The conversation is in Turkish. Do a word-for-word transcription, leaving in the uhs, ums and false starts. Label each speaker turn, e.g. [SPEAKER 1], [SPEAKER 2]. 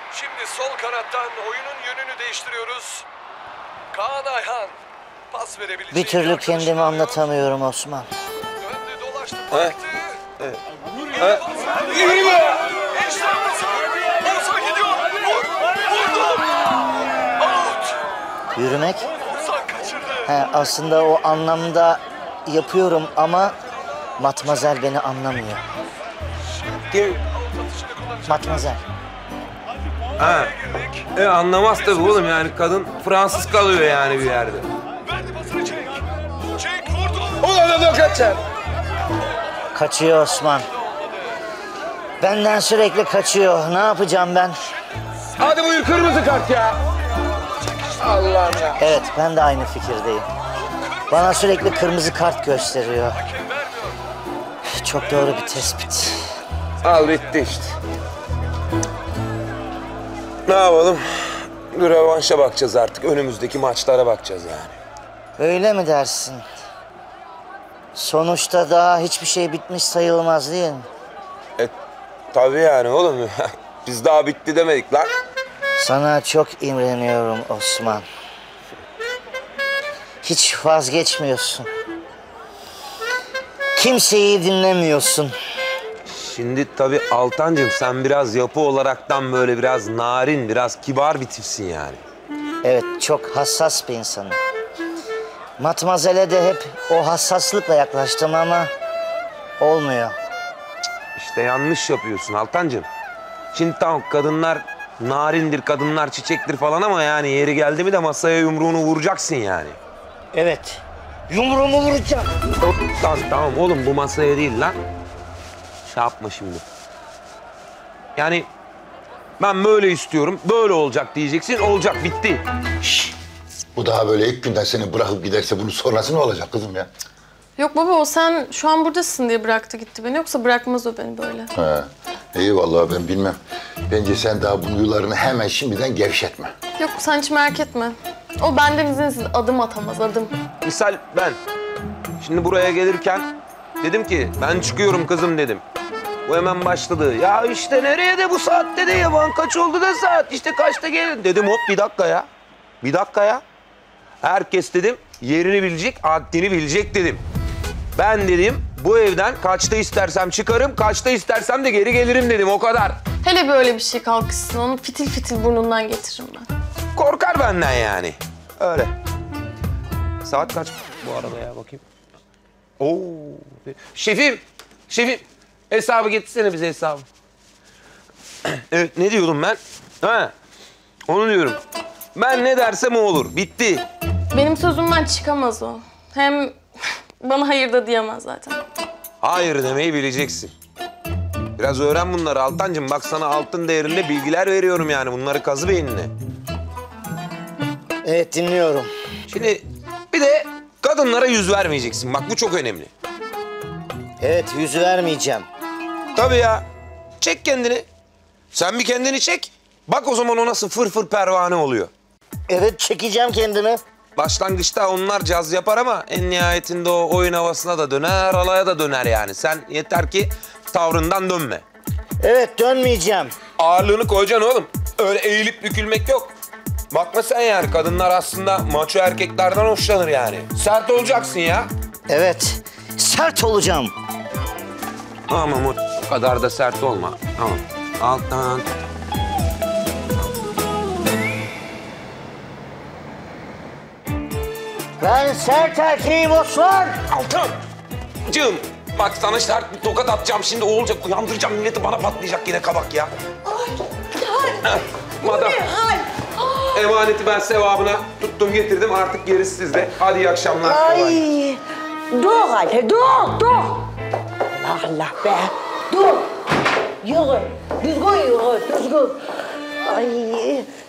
[SPEAKER 1] Şimdi sol kanattan oyunun yönünü değiştiriyoruz. Kaan Ayhan pas verebilecek.
[SPEAKER 2] Bir türlü kendimi anlatamıyorum Osman.
[SPEAKER 1] Döndü dolaştı baktı.
[SPEAKER 3] Evet.
[SPEAKER 1] Evet.
[SPEAKER 3] Yürü be!
[SPEAKER 1] İşte Oğuzhan gidiyor. Vur. Vurdu. Out.
[SPEAKER 2] Yürümek?
[SPEAKER 1] Oğuzhan kaçırdı.
[SPEAKER 2] He, aslında o anlamda yapıyorum ama Matmazel beni anlamıyor.
[SPEAKER 3] Kim?
[SPEAKER 2] Matmazel.
[SPEAKER 3] Ha. E anlamaz tabii oğlum yani kadın Fransız kalıyor yani bir yerde.
[SPEAKER 1] Verdi pasını Cenk. Cenk vurdu.
[SPEAKER 3] Ulan da kaçar.
[SPEAKER 2] Kaçıyor Osman. Benden sürekli kaçıyor. Ne yapacağım ben?
[SPEAKER 3] Hadi buyur kırmızı kart ya. Allah'ım ya.
[SPEAKER 2] Evet, ben de aynı fikirdeyim. Bana sürekli kırmızı kart gösteriyor. Çok doğru bir tespit.
[SPEAKER 3] Al bitti işte. Ne yapalım? Bir rövanşa bakacağız artık. Önümüzdeki maçlara bakacağız yani.
[SPEAKER 2] Öyle mi dersin? Sonuçta daha hiçbir şey bitmiş sayılmaz değil mi?
[SPEAKER 3] E tabii yani oğlum. Biz daha bitti demedik lan.
[SPEAKER 2] Sana çok imreniyorum Osman. Hiç vazgeçmiyorsun. Kimseyi dinlemiyorsun.
[SPEAKER 3] Şimdi tabii Altancığım sen biraz yapı olaraktan böyle biraz narin, biraz kibar bir tipsin yani.
[SPEAKER 2] Evet, çok hassas bir insanım. Matmazel'e de hep o hassaslıkla yaklaştım ama olmuyor.
[SPEAKER 3] İşte yanlış yapıyorsun Altancığım. Şimdi tamam kadınlar narindir, kadınlar çiçektir falan ama yani yeri geldi mi de masaya yumruğunu vuracaksın yani.
[SPEAKER 2] Evet, yumruğumu vuracağım.
[SPEAKER 3] Lan tamam oğlum bu masaya değil lan. Şey yapma şimdi. Yani ben böyle istiyorum, böyle olacak diyeceksin, olacak, bitti.
[SPEAKER 4] Şşş! Bu daha böyle ilk günden seni bırakıp giderse bunun sonrası ne olacak kızım ya?
[SPEAKER 5] Yok baba o sen şu an buradasın diye bıraktı gitti beni. Yoksa bırakmaz o beni böyle.
[SPEAKER 4] He. İyi vallahi ben bilmem. Bence sen daha bu yularını hemen şimdiden gevşetme.
[SPEAKER 5] Yok sen hiç merak etme. O benden izinsiz adım atamaz adım.
[SPEAKER 3] Misal ben şimdi buraya gelirken dedim ki ben çıkıyorum kızım dedim. Bu hemen başladı. Ya işte nereye de bu saatte de yaban kaç oldu da saat işte kaçta gelin dedim hop bir dakika ya. Bir dakika ya. Herkes dedim yerini bilecek, haddini bilecek dedim. Ben dedim bu evden kaçta istersem çıkarım, kaçta istersem de geri gelirim dedim o kadar.
[SPEAKER 5] Hele böyle bir şey kalkışsın onu fitil fitil burnundan getiririm ben.
[SPEAKER 3] Korkar benden yani. Öyle. Saat kaç bu arada ya bakayım. Oo. Şefim, şefim. Hesabı getirsene bize hesabı. Evet ne diyordum ben? Ha. Onu diyorum. Ben ne dersem o olur. Bitti.
[SPEAKER 5] Benim sözümden çıkamaz o. Hem bana hayır da diyemez zaten.
[SPEAKER 3] Hayır demeyi bileceksin. Biraz öğren bunları Altancığım. Bak sana altın değerinde bilgiler veriyorum yani. Bunları kazı beynine.
[SPEAKER 2] Evet, dinliyorum.
[SPEAKER 3] Şimdi bir de kadınlara yüz vermeyeceksin. Bak bu çok önemli.
[SPEAKER 2] Evet, yüz vermeyeceğim.
[SPEAKER 3] Tabii ya. Çek kendini. Sen bir kendini çek. Bak o zaman o nasıl fır fır pervane oluyor.
[SPEAKER 2] Evet, çekeceğim kendimi.
[SPEAKER 3] Başlangıçta onlar caz yapar ama en nihayetinde o oyun havasına da döner, alaya da döner yani. Sen yeter ki tavrından dönme.
[SPEAKER 2] Evet, dönmeyeceğim.
[SPEAKER 3] Ağırlığını koyacaksın oğlum. Öyle eğilip bükülmek yok. Bakma sen yani kadınlar aslında maço erkeklerden hoşlanır yani. Sert olacaksın ya.
[SPEAKER 2] Evet, sert olacağım.
[SPEAKER 3] Tamam o o kadar da sert olma. Tamam. Alttan.
[SPEAKER 2] Ben sert erkeğim Osman.
[SPEAKER 3] Altan. Cığım. Bak sana sert bir tokat atacağım şimdi. O olacak. Uyandıracağım milleti bana patlayacak yine kabak ya. Ay. Madam. Emaneti ben sevabına tuttum getirdim. Artık gerisi sizde. Hadi iyi akşamlar.
[SPEAKER 6] Ay, dur hadi, dur, dur. Allah Allah be, dur. Yürü, düzgün yürü, düzgün. Ay,